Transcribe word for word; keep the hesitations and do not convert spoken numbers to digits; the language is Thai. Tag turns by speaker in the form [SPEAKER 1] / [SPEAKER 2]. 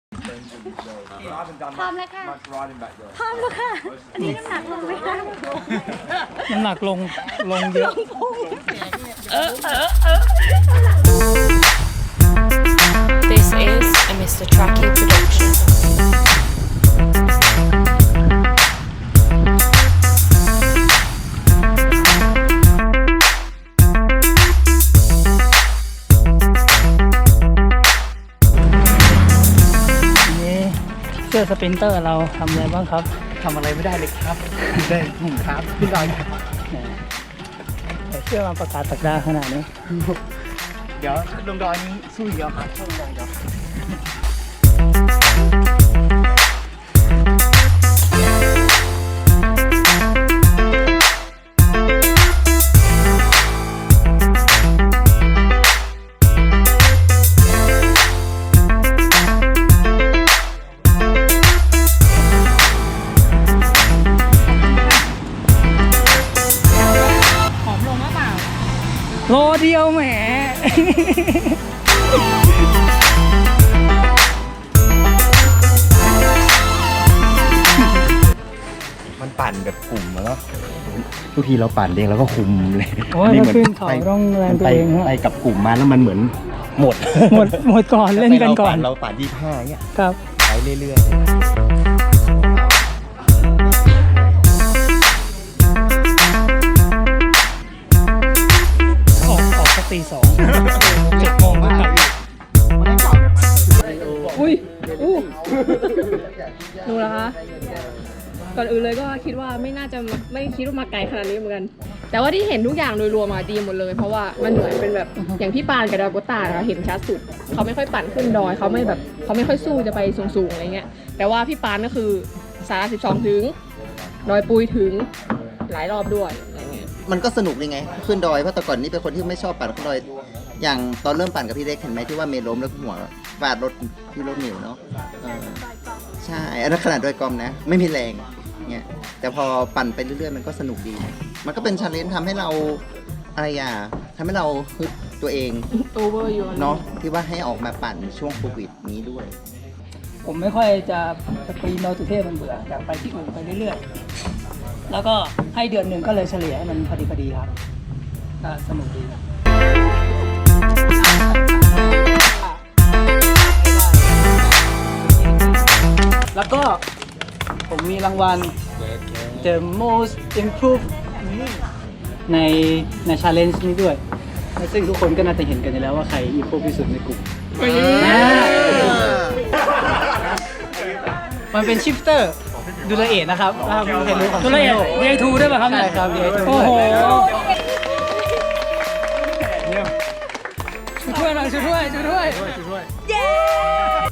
[SPEAKER 1] พร้อมแล้วค่ะพร้อมแล้วค่ะอันนี้น้ำหนักลงไหมคะ
[SPEAKER 2] น้ำหนักลงลงเยอะเออเออเออ
[SPEAKER 3] This is a มิสเตอร์ Truckee production.
[SPEAKER 2] เสื้อสปรินเตอร์เราทำอะไรบ้างครับ
[SPEAKER 4] ทำอะไรไม่ได้เลยครับได้หนุ่มครับขึ้นดอยครับ
[SPEAKER 2] แต่เสื้อมาประกาศสักดาขนาดนี้
[SPEAKER 4] เดี๋ยวลงดอยนี้สู้เยอะครับสู้ลงดอย
[SPEAKER 2] โลเดียวแหม
[SPEAKER 4] มันปั่นแบบกลุ่มแล้วทุกทีเราปั่นเองแล้วก็คุมเลย
[SPEAKER 2] โอ้ยมันขึ้นเขาต้องแรงตัวเองฮะ
[SPEAKER 4] ไปกับกลุ่มมาแล้วมันเหมือนหมด
[SPEAKER 2] หมดหมดก่อนเล่นกันก่อน
[SPEAKER 4] เราปั่นยี่ห้าเงี้ย
[SPEAKER 2] ครับ
[SPEAKER 4] ไปเรื่อยๆ
[SPEAKER 2] ตีสองเจ็ดโมงก็กลับ
[SPEAKER 5] อุ้ยอู้ดูนะคะก่อนอื่นเลยก็คิดว่าไม่น่าจะไม่คิดว่ามาไกลขนาดนี้เหมือนกันแต่ว่าที่เห็นทุกอย่างโดยรวมมาดีหมดเลยเพราะว่ามันเหมือนเป็นแบบอย่างพี่ปานกับดาวโกตาเราเห็นชัดสุดเขาไม่ค่อยปั่นขึ้นดอยเขาไม่แบบเขาไม่ค่อยสู้จะไปสูงๆอะไรเงี้ยแต่ว่าพี่ปานก็คือสาราสิบสองถึงดอยปุยถึงหลายรอบด้วยอะไรเงี้ย
[SPEAKER 6] มันก็สนุกเลยไงขึ้นดอยเพราะแต่ก่อนนี้เป็นคนที่ไม่ชอบปั่นขึ้นดอยอย่างตอนเริ่มปั่นกับพี่เล็กเห็นไหมที่ว่าเมย์ล้มแล้วหัวฟาดรถที่รถหนิวเนาะใช่อันนั้นขนาดดอยกอมนะไม่มีแรงเนี่ยแต่พอปั่นไปเรื่อยๆมันก็สนุกดีมันก็เป็นชาเลนจ์ทำให้เราอะไรอ่ะทำให้เราฮึดตัวเอง
[SPEAKER 5] โอเวอร์อยู่
[SPEAKER 6] เนาะที่ว่าให้ออกมาปั่นช่วงโควิดนี้ด้วย
[SPEAKER 2] ผมไม่ค่อยจะจะปีนดอยสุเทพมันเบื่ออยากไปที่อื่นไปเรื่อยๆแล้วก็ให้เดือนหนึ่งก็เลยเฉลี่ยให้มันพอดีพอดีครับก็สนุกดีแล้วก็ผมมีรางวัล The Most Improved ในใน Challenge นี้ด้วยซึ่งทุกคนก็น่าจะเห็นกันอยู่แล้วว่าใคร improve ที่สุดในกลุ่มมันเป็น shifter ดูละเอียดนะครับดูละเอียด ดี ไอ ทู ด้วยป่ะครับใช่ครับ ดี ไอ ทู โอ้โหช่วยหน่อยช่วยช่วยช่วยเย้